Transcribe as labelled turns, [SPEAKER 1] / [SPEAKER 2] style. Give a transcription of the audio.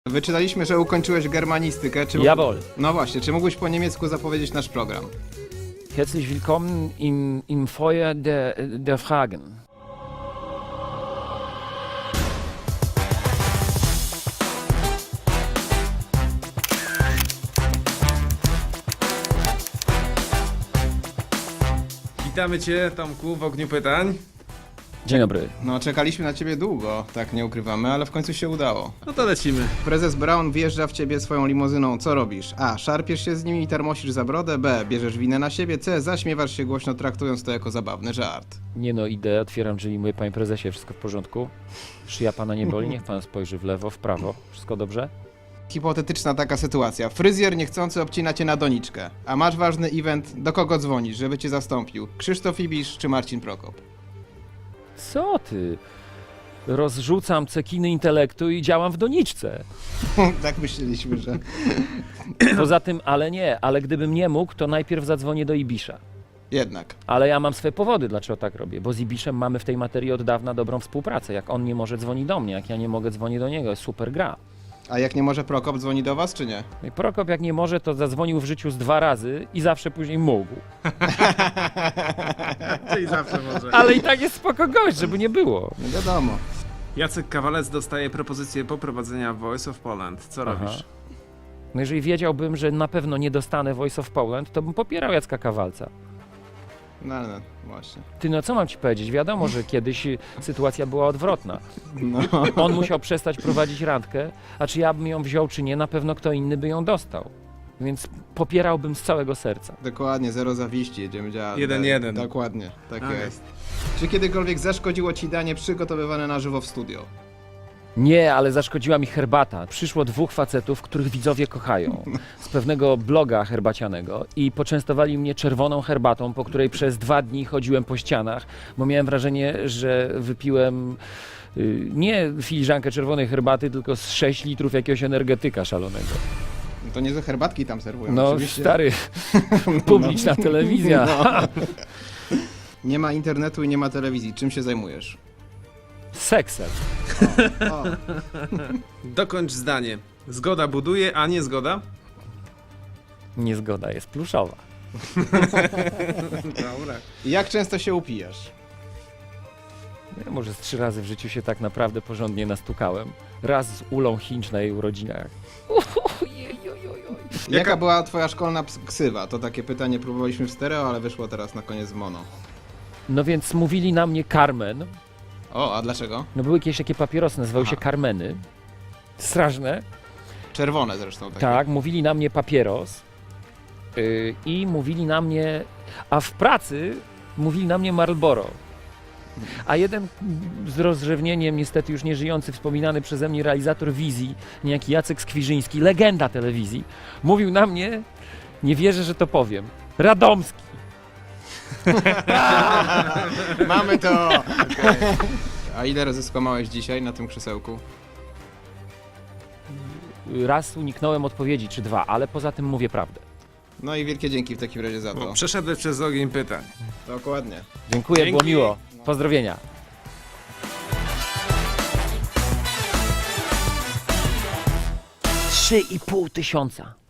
[SPEAKER 1] Wyczytaliśmy, że ukończyłeś germanistykę. Czy
[SPEAKER 2] Jawohl.
[SPEAKER 1] No właśnie, czy mógłbyś po niemiecku zapowiedzieć nasz program?
[SPEAKER 2] Herzlich willkommen im Feuer der Fragen.
[SPEAKER 3] Witamy Cię, Tomku, w ogniu pytań.
[SPEAKER 2] Dzień dobry.
[SPEAKER 1] No, czekaliśmy na ciebie długo, tak nie ukrywamy, ale w końcu się udało.
[SPEAKER 3] No to lecimy.
[SPEAKER 1] Prezes Brown wjeżdża w ciebie swoją limuzyną, co robisz? A. Szarpiesz się z nim i termosisz za brodę. B. Bierzesz winę na siebie. C. Zaśmiewasz się głośno, traktując to jako zabawny żart.
[SPEAKER 2] Nie no, idę, otwieram drzwi i mówię, panie prezesie, wszystko w porządku? Szyja pana nie boli? Niech pan spojrzy w lewo, w prawo. Wszystko dobrze?
[SPEAKER 1] Hipotetyczna taka sytuacja. Fryzjer niechcący obcina cię na doniczkę. A masz ważny event, do kogo dzwonisz, żeby cię zastąpił? Krzysztof Ibisz czy Marcin Prokop?
[SPEAKER 2] Co ty? Rozrzucam cekiny intelektu i działam w doniczce.
[SPEAKER 1] Tak myśleliśmy, że...
[SPEAKER 2] Poza tym, ale gdybym nie mógł, to najpierw zadzwonię do Ibisza.
[SPEAKER 1] Jednak.
[SPEAKER 2] Ale ja mam swoje powody, dlaczego tak robię, bo z Ibiszem mamy w tej materii od dawna dobrą współpracę. Jak on nie może, dzwoni do mnie, jak ja nie mogę, dzwonię do niego, jest super gra.
[SPEAKER 1] A jak nie może Prokop, dzwoni do was, czy nie?
[SPEAKER 2] No i Prokop jak nie może, to zadzwonił w życiu z 2 razy i zawsze później mógł.
[SPEAKER 3] Czyli zawsze może.
[SPEAKER 2] Ale i tak jest spoko gość, żeby nie było.
[SPEAKER 1] No wiadomo.
[SPEAKER 3] Jacek Kawalec dostaje propozycję poprowadzenia Voice of Poland. Co robisz?
[SPEAKER 2] No jeżeli wiedziałbym, że na pewno nie dostanę Voice of Poland, to bym popierał Jacka Kawalca.
[SPEAKER 1] No, właśnie.
[SPEAKER 2] Ty, no co mam ci powiedzieć? Wiadomo, że kiedyś sytuacja była odwrotna.
[SPEAKER 1] No.
[SPEAKER 2] On musiał przestać prowadzić randkę, a czy ja bym ją wziął, czy nie, na pewno kto inny by ją dostał. Więc popierałbym z całego serca.
[SPEAKER 1] Dokładnie, zero zawiści, jedziemy działać.
[SPEAKER 3] 1-1.
[SPEAKER 1] Dokładnie, tak
[SPEAKER 3] Okay.
[SPEAKER 1] jest. Czy kiedykolwiek zaszkodziło ci danie przygotowywane na żywo w studio?
[SPEAKER 2] Nie, ale zaszkodziła mi herbata. Przyszło 2 facetów, których widzowie kochają, z pewnego bloga herbacianego i poczęstowali mnie czerwoną herbatą, po której przez 2 dni chodziłem po ścianach, bo miałem wrażenie, że wypiłem nie filiżankę czerwonej herbaty, tylko z 6 litrów jakiegoś energetyka szalonego.
[SPEAKER 1] No to niezłe herbatki tam serwują.
[SPEAKER 2] No
[SPEAKER 1] oczywiście.
[SPEAKER 2] stary, publiczna telewizja.
[SPEAKER 1] No. Nie ma internetu i nie ma telewizji. Czym się zajmujesz?
[SPEAKER 2] Seksem.
[SPEAKER 1] O,
[SPEAKER 3] Dokończ zdanie. Zgoda buduje, a nie zgoda?
[SPEAKER 2] Niezgoda jest pluszowa.
[SPEAKER 3] Dobra.
[SPEAKER 1] jak często się upijasz?
[SPEAKER 2] Ja może z 3 razy w życiu się tak naprawdę porządnie nastukałem. Raz z Ulą Hinch na jej urodzinach.
[SPEAKER 1] Jaka była twoja szkolna ksywa? To takie pytanie próbowaliśmy w stereo, ale wyszło teraz na koniec w mono.
[SPEAKER 2] No więc mówili na mnie Carmen.
[SPEAKER 1] O, a dlaczego?
[SPEAKER 2] No były jakieś takie papierosy, nazywały się
[SPEAKER 1] Aha.
[SPEAKER 2] Carmeny. Straszne.
[SPEAKER 1] Czerwone zresztą takie.
[SPEAKER 2] Tak, mówili na mnie papieros. I mówili na mnie... A w pracy mówili na mnie Marlboro. A jeden z rozrzewnieniem, niestety już nieżyjący, wspominany przeze mnie realizator Wizji, niejaki Jacek Skwirzyński, legenda telewizji, mówił na mnie, nie wierzę, że to powiem, Radomski.
[SPEAKER 1] Mamy to! A ile razy skłamałeś dzisiaj na tym krzesełku?
[SPEAKER 2] Raz uniknąłem odpowiedzi, czy 2, ale poza tym mówię prawdę.
[SPEAKER 1] No i wielkie dzięki w takim razie za to.
[SPEAKER 3] Bo przeszedłeś przez ogień pytań.
[SPEAKER 1] Dokładnie.
[SPEAKER 2] Dziękuję,
[SPEAKER 3] Dzięki.
[SPEAKER 2] było miło. Pozdrowienia. 3,5 tysiąca.